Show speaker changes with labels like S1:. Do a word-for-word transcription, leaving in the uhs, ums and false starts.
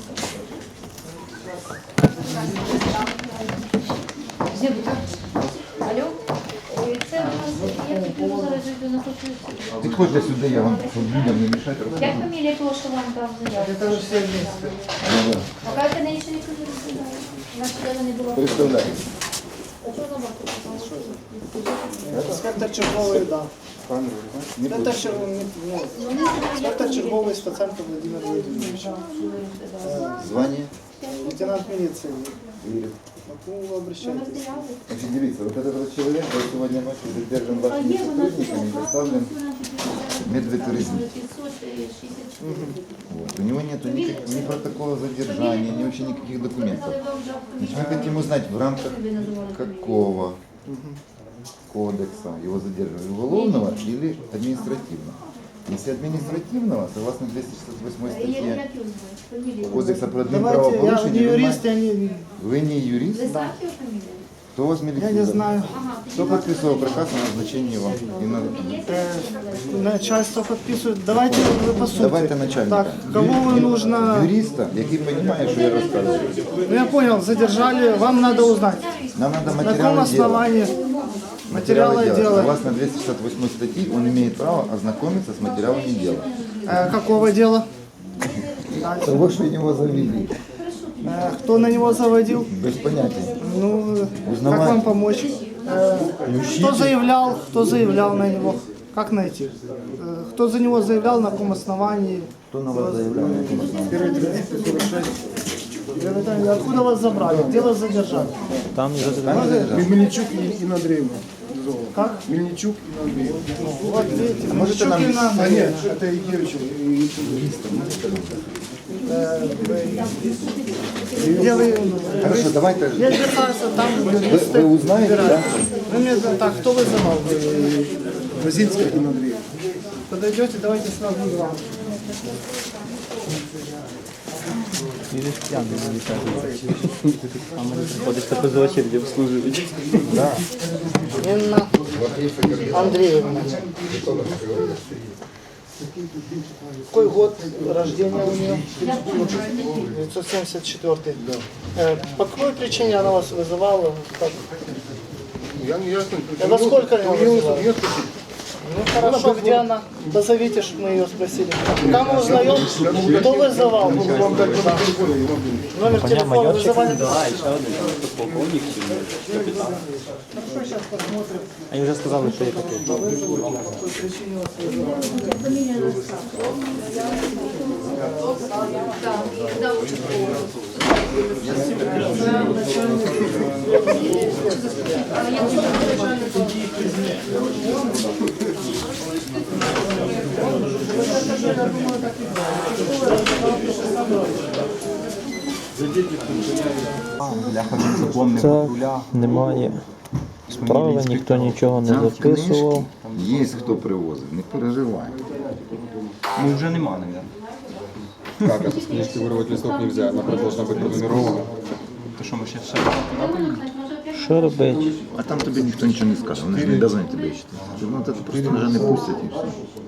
S1: Алло? Це у нас, я піду зараз йду на хочу.
S2: Підходьте сюди, я вам, щоб людям не мішати.
S1: Як фамілія того, що вам дав заяву?
S3: Это же все вместе.
S1: А як вони ще не кажуть? Значить, де вони були?
S2: Представляю.
S1: А що на боку?
S3: Спектр черговий, да. Спектр черговий, ну, спектр черговий Стаценко Владимир Владимирович.
S2: Звання?
S3: Лейтенант милиции.
S2: Юрий.
S3: На кого вы обращаетесь?
S2: Значит, дивіться, вот этот вот человек был сегодня ночью задержан вашими сотрудниками и доставлен в медветуризм. Вот. У него нет ни, ни протокола задержания, ни вообще никаких документов. Значит, мы хотим узнать, в рамках какого кодекса его задерживали, уголовного или административного. Если административного, согласно двести шестьдесят восьмой статье Кодекса про
S3: Давайте, я
S2: админправопорушение,
S3: не
S2: вы,
S3: юрист, я не...
S2: вы не юрист?
S3: Да.
S2: Кто у вас милиция?
S3: Я не знаю.
S2: Кто подписывал приказ о назначении вам? И на...
S3: Э, начальство подписывает. Давайте вы по сути.
S2: Давайте начальника.
S3: Так, кого вы нужно...
S2: Юриста, який понимает, что я рассказываю.
S3: Ну я понял, задержали, вам надо узнать.
S2: Нам надо
S3: На каком
S2: материалы дела.
S3: основании материалы дела?
S2: Согласно двести шестьдесят восьмой статьи, он имеет право ознакомиться с материалами дела.
S3: Э, какого дела?
S2: Того, что его завели.
S3: Э, кто на него заводил?
S2: Без понятия.
S3: Ну,
S2: Узнавать.
S3: как вам помочь? Э, кто заявлял, кто заявлял на него? Как найти? Э, кто за него заявлял, на каком основании?
S2: Кто на вас заявлял? На каком основании?
S3: Откуда вас забрали? Где вас задержали?
S2: Там не задержали.
S4: Мельничук и Андреевна.
S3: Как?
S4: Мельничук и Андреевна.
S3: Вот видите,
S2: можете нам-
S3: Мельничук и
S4: А
S3: Надо.
S4: нет, это Игоревич.
S3: Где вы?
S2: Хорошо, давайте.
S3: Я держался там,
S2: Вы,
S3: юристы.
S2: вы узнаете, да?
S3: Вы мне так, кто вызывал?
S4: Базинская и Андреевна.
S3: Подойдете, давайте сразу вам.
S5: Приходиш та позивачів обслужують.
S2: Да.
S3: Инна Андреевна. Какой год рождения у нее? девятьсот семьдесят четвёртый. Э, По какой причине она вас вызывала? Как?
S4: Я не ясно.
S3: А во сколько она
S4: У него
S3: вызывала?
S4: нет.
S3: Ну хорошо, где она? Позовите, чтобы мы ее спросили. Пока мы узнаем, кто вызывал.
S4: Вам дать номер телефона, я могу.
S3: Номер телефона вызывали.
S5: Да, і ще один полковник чи капітан.
S3: Хорошо, сейчас посмотрим.
S5: Вони вже сказали, що є таке.
S3: По какой причине вас вызывали.
S5: Це немає справи, ніхто нічого не записував.
S2: Є хто привозив, не переживай.
S6: Ну, уже нема, наверное.
S7: Как это? С книжки вырвать листок нельзя, она должна быть пронумерована.
S6: То що ми ще все?
S5: Що робити?
S2: А там тобі ніхто нічого не скаже, вони ж не повинні тебе читати. Ну, це просто вже не пустять і все.